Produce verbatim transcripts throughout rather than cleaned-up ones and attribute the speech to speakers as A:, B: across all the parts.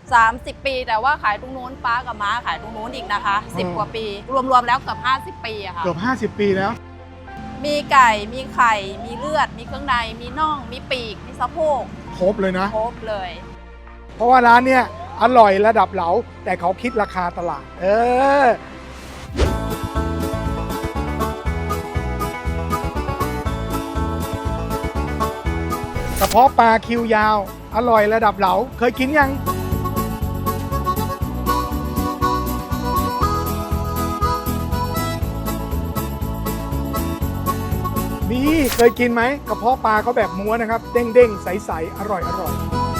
A: สามสิบปีแต่ว่าขายตรงนู้นป้ากับม้าขายตรงนู้นอีกนะคะสิบกว่าปีรวมๆแล้วเกือบห้าสิบปีอะค่ะ
B: เกือบห้าสิบปีแล้ว
A: มีไก่มีไข่มีเลือดมีเครื่องในมีน่องมีปีกมีสะโพก
B: ครบเลยนะ
A: ครบเลย
B: เพราะว่าร้านเนี้ยอร่อยระดับเหลาแต่เขาคิดราคาตลาดเออกระเพาะปลาคิวยาวอร่อยระดับเหลาเคยกินยังนี่เคยกินไหมกระเพาะปลาเขาแบบม้วนนะครับเด้งๆใสๆอร่อยอร่อย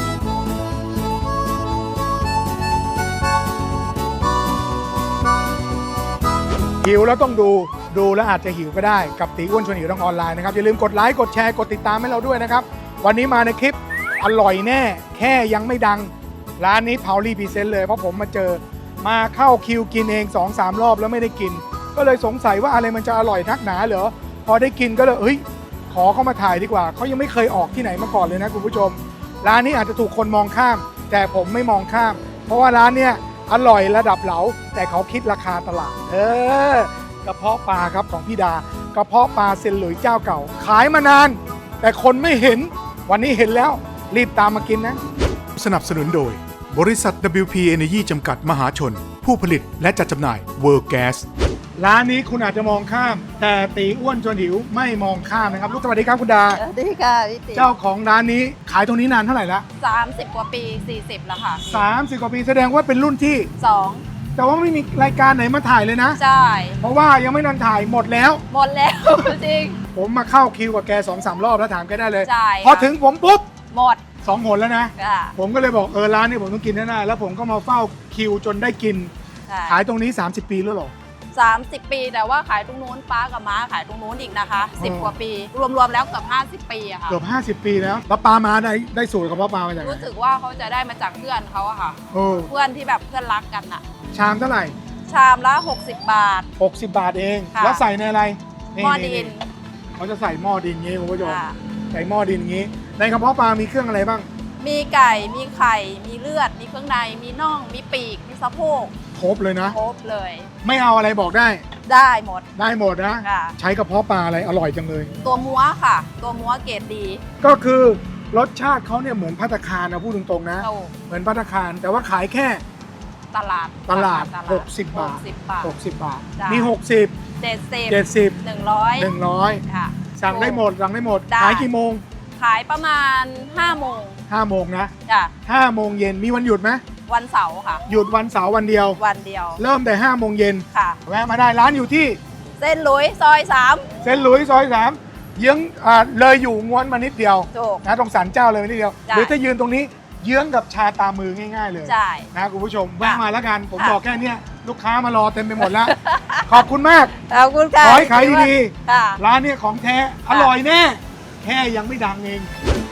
B: หิวแล้วต้องดูดูแล้วอาจจะหิวก็ได้กับตีอ้วนชวนหิวทางออนไลน์นะครับอย่าลืมกดไลค์กดแชร์กดติดตามให้เราด้วยนะครับวันนี้มาในคลิปอร่อยแน่แค่ยังไม่ดังร้านนี้เผารีพรีเซนต์เลยเพราะผมมาเจอมาเข้าคิวกินเอง สองสาม รอบแล้วไม่ได้กินก็เลยสงสัยว่าอะไรมันจะอร่อยนักหนาเหรอพอได้กินก็เลยเฮ้ยขอเข้ามาถ่ายดีกว่าเขายังไม่เคยออกที่ไหนมาก่อนเลยนะคุณผู้ชมร้านนี้อาจจะถูกคนมองข้ามแต่ผมไม่มองข้ามเพราะว่าร้านเนี้ยอร่อยระดับเหลาแต่เขาคิดราคาตลาดเออกระเพาะปลาครับของพี่ดากระเพาะปลาเซนหลุยเจ้าเก่าขายมานานแต่คนไม่เห็นวันนี้เห็นแล้วรีบตามมากินนะ
C: สนับสนุนโดยบริษัท ดับเบิลยู พี Energy จำกัดมหาชนผู้ผลิตและจัดจำหน่าย World Gas
B: ร้านนี้คุณอาจจะมองข้ามแต่ตีอ้วนชวนหิวไม่มองข้ามนะครับลูกสวัสดีครับคุณดา
A: สวัสดีค่ะพี่ติ๋
B: เจ้าของร้านนี้ขายตรงนี้นานเท่าไหร่ละ
A: สามสิบกว่าปีสี่สิบแล้วค่ะ
B: สามสิบกว่าปีแสดงว่าเป็นรุ่นที่
A: สอง
B: แต่ว่าไม่มีรายการไหนมาถ่ายเลยนะ
A: ใช่
B: เพราะว่ายังไม่นานถ่ายหมดแล้ว
A: หมดแล้วจริง
B: ผมมาเข้าคิวกับแก สองสาม รอบแล้วถามแกได้เลย
A: ใช่
B: พอถึงผมปุ๊บ
A: หมด
B: สองหนแล้วนะผมก็เลยบอกเออร้านนี้ผมต้องกินแน่ๆแล้วผมก็มาเฝ้าคิวจนได้กินขายตรงนี้สามสิบปีแล้วหรอ
A: สามสิบปีแต่ว่าขายตรงนู้นป้ากับม้าขายตรงนู้นอีกนะคะสิบกว่าปีรวมๆแล้วเกือบห้าสิบปีอะค่ะ
B: เกือบห้าสิบปีแล้วแล้วปลาม้าได้ได้สูตรกับปลามาจากไหน
A: รู้สึกว่าเขาจะได้มาจากเพื่อนเขาอะค่ะเพื่อนที่แบบเพื่อนรักกันอะ
B: ชามเท่าไหร่
A: ชามละหกสิบบาท
B: หกสิบบาทเองแล้วใส่ในอะไร
A: หม้อดิน
B: เขาจะใส่หม้อดินงี้คุณผู้ชมใส่หม้อดินงี้ในกระเพาะปลามีเครื่องอะไรบ้าง
A: มีไก่มีไข่มีเลือดมีเครื่องในมีน่องมีปีกมีสะโพก
B: ครบเลยนะ
A: ครบเลย
B: ไม่เอาอะไรบอกได้
A: ได้หมด
B: ได้หมดนะใช้กระเพาะปลาอะไรอร่อยจังเลย
A: ตัวม้วค่ะตัวม้วเกรดดี
B: ก็คือรสชาติเขาเนี่ยเหมือนภัตตาคารนะพูดตรงๆนะเหมือนภัตตาคารแต่ว่าขายแค่
A: ตลาด
B: ตลาดหกสิบบาทหกสิบบาทมีหกสิบ
A: เจ็ดสิบ
B: เจ็ดสิบ
A: หนึ่งร้อย
B: หนึ่งร้อยค่ะสั่งได้หมดสั่งได้หมดขายกี่โมง
A: ขายประมาณห้าโมง
B: ห้าโมงนะ
A: จ้ะ
B: ห้าโมงเย็นมีวันหยุดไหม
A: วันเสาร์ค่ะ
B: หยุดวันเสาร์วันเดียว
A: วันเดียว
B: เริ่มแต่ห้าโมงเย็น
A: ค่ะ
B: แวะมาได้ร้านอยู่ที่
A: เส้นหลุยซอยสาม
B: เส้นหลุยซอยสามเยื้องอ่าเลยอยู่ง้วนมานิดเดียวนะตรงศาลเจ้าเลยนิดเดียวหรือถ้ายืนตรงนี้เยื้องกับชาตามือง่ายๆเลย
A: ใช่
B: นะคุณผู้ชมแวะมาแล้วกันผมบอกแค่นี้ลูกค้ามารอเต็มไปหมดแล้วขอบคุณมาก
A: ขอบคุณค่ะ
B: ขอให้ขายดีๆร้านนี้ของแท้อร่อยแน่แค่ยังไม่ดังเอง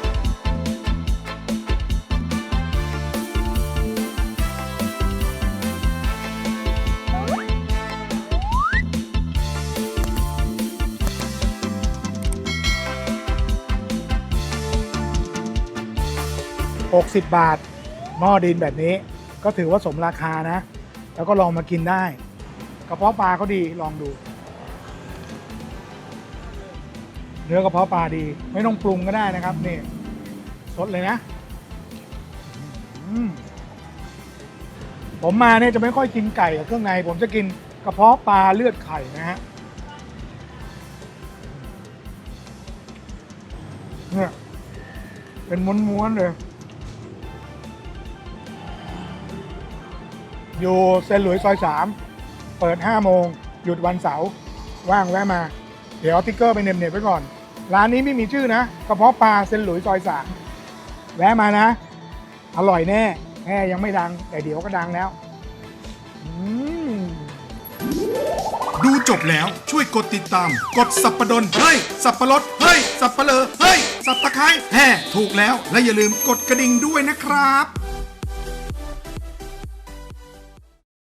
B: หกสิบบาทหม้อดินแบบนี้ก็ถือว่าสมราคานะแล้วก็ลองมากินได้กระเพาะปลาเขาดีลองดูเนื้อกระเพาะปลาดีไม่ต้องปรุงก็ได้นะครับนี่สดเลยนะผมมาเนี่ยจะไม่ค่อยกินไก่กับเครื่องในผมจะกินกระเพาะปลาเลือดไข่นะฮะเนี่ยเป็นม้วนๆเลยอยู่เซนหลุยซอยสามเปิดห้าโมงหยุดวันเสาร์ว่างแวะมาเดี๋ยวเอาติ๊กเกอร์ไปเน็บๆไว้ก่อนร้านนี้ไม่มีชื่อนะกระเพาะปลาเซนหลุยซอยสามแวะมานะอร่อยแน่แค่ยังไม่ดังแต่เดี๋ยวก็ดังแล้ว
C: ดูจบแล้วช่วยกดติดตามกดสับปะดนเฮ้ยสับปะรดเฮ้ยสับปะเลอเฮ้ยสับตะไคร้แห่ถูกแล้วและอย่าลืมกดกระดิ่งด้วยนะครับ